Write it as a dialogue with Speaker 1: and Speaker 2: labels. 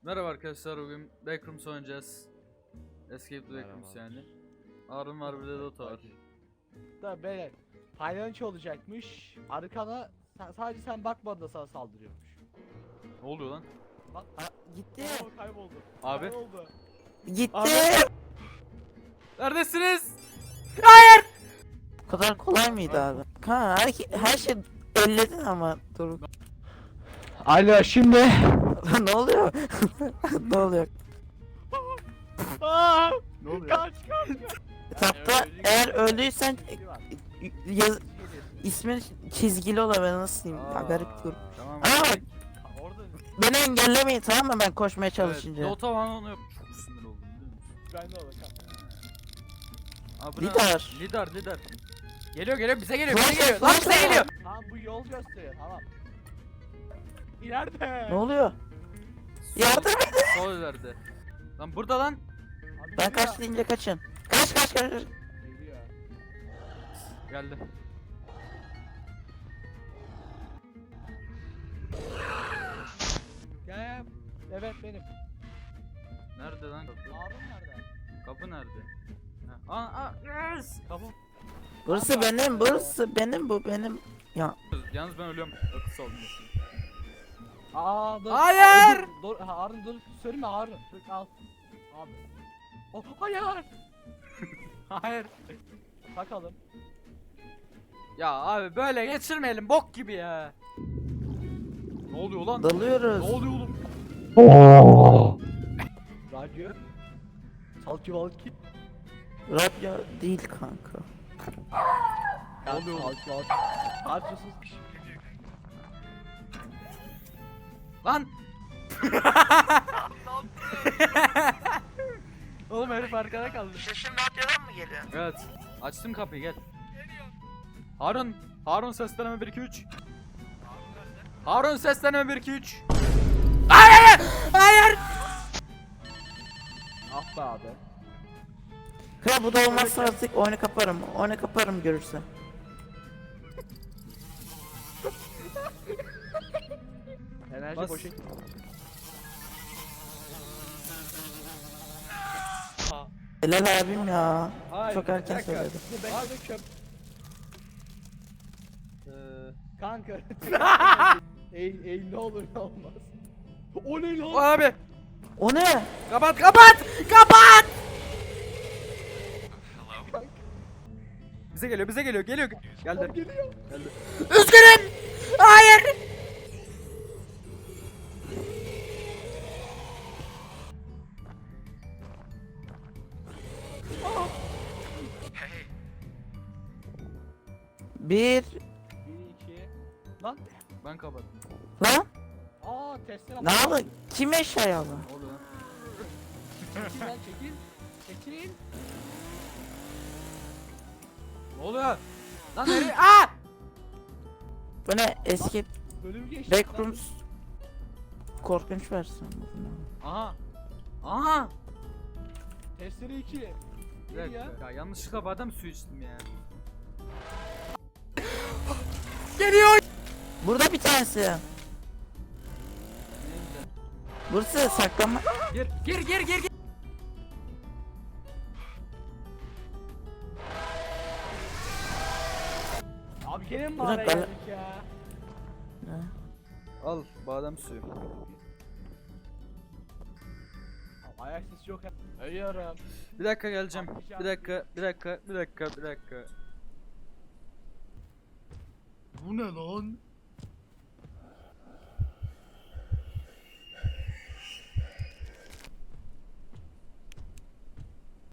Speaker 1: Merhaba arkadaşlar, bugün Backrooms oynayacağız. Escape the Backrooms yani. Harun var, bir de Dota var.
Speaker 2: Da böyle paylaşıcı olacakmış. Arkana sadece sen bakmadın da sana saldırıyormuş.
Speaker 1: Ne oluyor lan?
Speaker 2: Bak
Speaker 3: Gitti.
Speaker 2: kayboldu.
Speaker 1: Abi.
Speaker 2: Kayboldu.
Speaker 3: Gitti.
Speaker 1: Abi. Neredesiniz?
Speaker 3: Bu kadar kolay mıydı abi? Ha, her şey elledin ama dur.
Speaker 2: Alo şimdi.
Speaker 3: Ne oluyor? Ne oluyor?
Speaker 2: Aa,
Speaker 1: Ne oluyor?
Speaker 2: kaç.
Speaker 3: Etapta eğer öldüysen ismin çizgili olur, ben nasıl diyeyim? Ya, garip dur.
Speaker 1: Tamam.
Speaker 3: Aa bak,
Speaker 2: Orada
Speaker 3: beni engellemeyin tamam mı, ben koşmaya çalışınca.
Speaker 1: Evet, Dota bana onu yap. Çok sinir oldum biliyor musun?
Speaker 2: ben de orada.
Speaker 1: Aa, bu ne?
Speaker 3: Lider.
Speaker 1: Lider. Geliyor bize geliyor
Speaker 3: Flash,
Speaker 1: bize geliyor. Lan
Speaker 3: flash
Speaker 1: bize
Speaker 3: var.
Speaker 1: geliyor.
Speaker 2: Tamam bu yol gösteriyor tamam. İleride.
Speaker 3: Ne oluyor? Yardım et.
Speaker 1: Sol ileride. Lan burada lan.
Speaker 2: Abi
Speaker 3: Ben
Speaker 2: geliyor.
Speaker 3: kaç deyince kaçın. Kaç.
Speaker 2: Geliyor.
Speaker 1: Geldi.
Speaker 2: Gel. Evet benim.
Speaker 1: Nerede lan kapı?
Speaker 2: Harun nerede?
Speaker 1: Kapı nerede? Ha. Yes. Kapı.
Speaker 3: Burası benim, burası benim, bu benim. Ya
Speaker 1: Yalnız ben ölüyorum. Akıl oldum.
Speaker 2: Aa dur.
Speaker 1: Hayır!
Speaker 2: Dur Harun dur. Söyleme Harun. Dur al. Abi. Oh, hayır.
Speaker 1: Hayır.
Speaker 2: Bakalım.
Speaker 1: Ya abi böyle geçirmeyelim bok gibi ya. Ne oluyor lan? Ne
Speaker 3: dalıyoruz.
Speaker 1: oluyor oğlum?
Speaker 2: Radyo. Salki valki.
Speaker 3: Radyo değil kanka.
Speaker 1: Ne oluyor oğlum?
Speaker 2: Salki valki. Radyosuz.
Speaker 1: Lan! Oğlum herif arkada kaldı.
Speaker 3: Sesim radyodan mı geliyor?
Speaker 1: Evet. Açtım kapıyı gel. Harun seslenme 1 2 3. Harun seslenme 1 2 3. Hayır!
Speaker 2: Ah be abi.
Speaker 3: Kral bu da olmazsa artık oyunu kaparım. Oyunu kaparım görürse.
Speaker 2: Enerji
Speaker 1: Bas.
Speaker 2: boşa.
Speaker 3: Helal abim ya.
Speaker 1: Hayır,
Speaker 3: Çok
Speaker 1: bir
Speaker 3: erken
Speaker 1: dakika.
Speaker 3: söyledi.
Speaker 2: Ben de çöp. Kanka. Eğil ne olur ne olmaz. O ne lan?
Speaker 1: Abi
Speaker 3: O ne?
Speaker 1: kapat. Bize geliyor. Geldi.
Speaker 2: Geliyor.
Speaker 1: Geldi. Üzgünüm. Hayır.
Speaker 3: Bir.
Speaker 2: 1 2. Lan.
Speaker 1: Ben kapattım.
Speaker 3: Lan?
Speaker 2: Aa testere.
Speaker 3: Ne yaptın? Kim eşyayı aldı?
Speaker 1: Ne oluyor lan?
Speaker 2: Çekil lan çekil. Çekil.
Speaker 1: Ne oluyor? Lan nereye? Aa!
Speaker 3: Bu ne? Escape
Speaker 2: Bölüm geçti.
Speaker 3: Backrooms. Korkunç versiyon.
Speaker 1: Aha.
Speaker 2: Testere 2.
Speaker 1: Bir dakika. Ya yanlışlıkla badem suyu içtim ya. Geliyor.
Speaker 3: Burada bir tanesi.
Speaker 1: Neyse.
Speaker 3: Burası saklanma.
Speaker 1: Gir.
Speaker 2: Abi gene mi
Speaker 3: Bırak
Speaker 2: mağaraya
Speaker 3: ben-
Speaker 2: geldik ya?
Speaker 3: Ne?
Speaker 1: Al badem suyu.
Speaker 2: Abi, ayak sesi yok ya. Ölüyorum.
Speaker 1: Bir dakika geleceğim. Bir dakika. Bu ne lan?